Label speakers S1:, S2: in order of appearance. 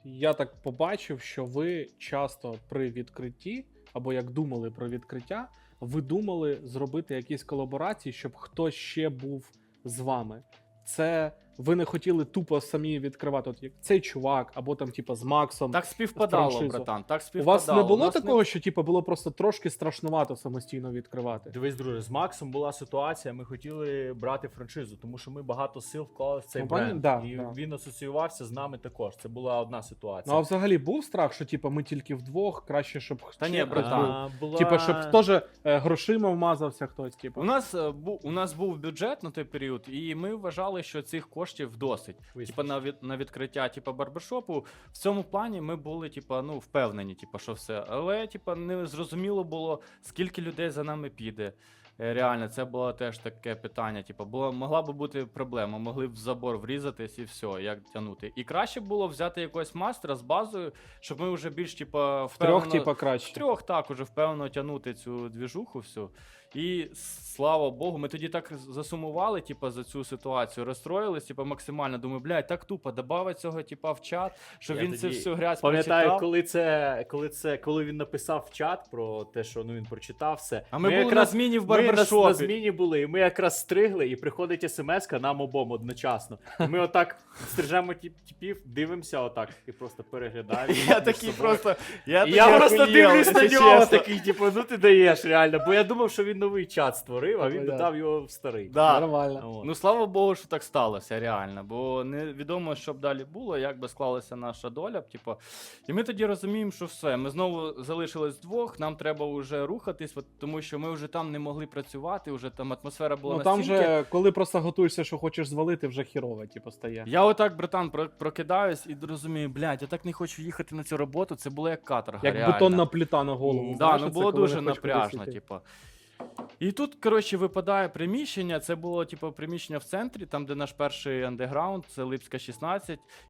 S1: Я так побачив, що ви часто при відкритті, або як думали про відкриття, ви думали зробити якісь колаборації, щоб хтось ще був з вами. Це ви не хотіли тупо самі відкривати, от як цей чувак, або там, типа, з Максом.
S2: Так співпадало,
S1: франшизу.
S2: братан, так
S1: У
S2: співпадало.
S1: вас не було
S2: У нас
S1: такого, що типа було просто трошки страшнувато самостійно відкривати?
S3: Дивись, друже, з Максом була ситуація, ми хотіли брати франшизу, тому що ми багато сил вклали в цей
S1: Ну,
S3: бренд.
S1: да,
S3: і
S1: да.
S3: він асоціювався з нами також. Це була одна
S1: Ну
S3: ситуація.
S1: а взагалі був страх, що типа ми тільки вдвох, краще, щоб
S2: Та ні,
S1: ще хтось
S2: братан.
S1: був? Типа, щоб теж грошима вмазався хтось, типу.
S2: У нас був бюджет на той період, і ми вважали, що цих коштів досить. Типа на відкриття барбершопу. В цьому плані ми були, впевнені, що все. Але, не зрозуміло було, скільки людей за нами піде. Реально, це було теж таке питання. Могла б бути проблема, могли б в забор врізатись і все, як тягнути. І краще було взяти якогось мастера з базою, щоб ми вже більш впевнено...
S1: Втрьох, краще.
S2: Втрьох так, уже впевнено тягнути цю двіжуху всю. І слава Богу, ми тоді так засумували, за цю ситуацію, розстроїлись, максимально. Думаю, блядь, так тупо, добавить цього, в чат, щоб він це всю грязь
S3: пам'ятаю,
S2: прочитав.
S3: коли він написав в чат про те, що він прочитав все.
S2: А ми були на зміні в барбершопі.
S3: Ми на зміні були, і ми якраз стригли, і приходить смс-ка нам обом одночасно. І ми отак стрижемо типів, дивимося отак, і просто переглядаємо.
S2: Я такий просто...
S3: Я просто дивлюсь на нього, такий, ну ти даєш реально. Бо я думав, що він новий чат створив, а він
S1: Понятно.
S3: додав його в старий.
S2: Да.
S1: Нормально.
S2: Ну, слава Богу, що так сталося, реально. Бо невідомо, що б далі було, як би склалася наша доля. І ми тоді розуміємо, що все. Ми знову залишились вдвох, нам треба вже рухатись, тому що ми вже там не могли працювати, вже там атмосфера була
S1: Ну там
S2: настільки...
S1: же, коли просто готуєшся, що хочеш звалити, вже хірово, стає.
S2: Я отак, братан, прокидаюсь і розумію, блядь, я так не хочу їхати на цю роботу, це було як каторга,
S1: Як
S2: реально.
S1: бетонна плита на голову.
S2: Да,
S1: Знаєш,
S2: ну
S1: це
S2: було
S1: коли
S2: дуже
S1: не хочеш
S2: напряжно,
S1: кудись йти.
S2: І тут, коротше, випадає приміщення. Це було, приміщення в центрі, там, де наш перший андеграунд, це Липська 16.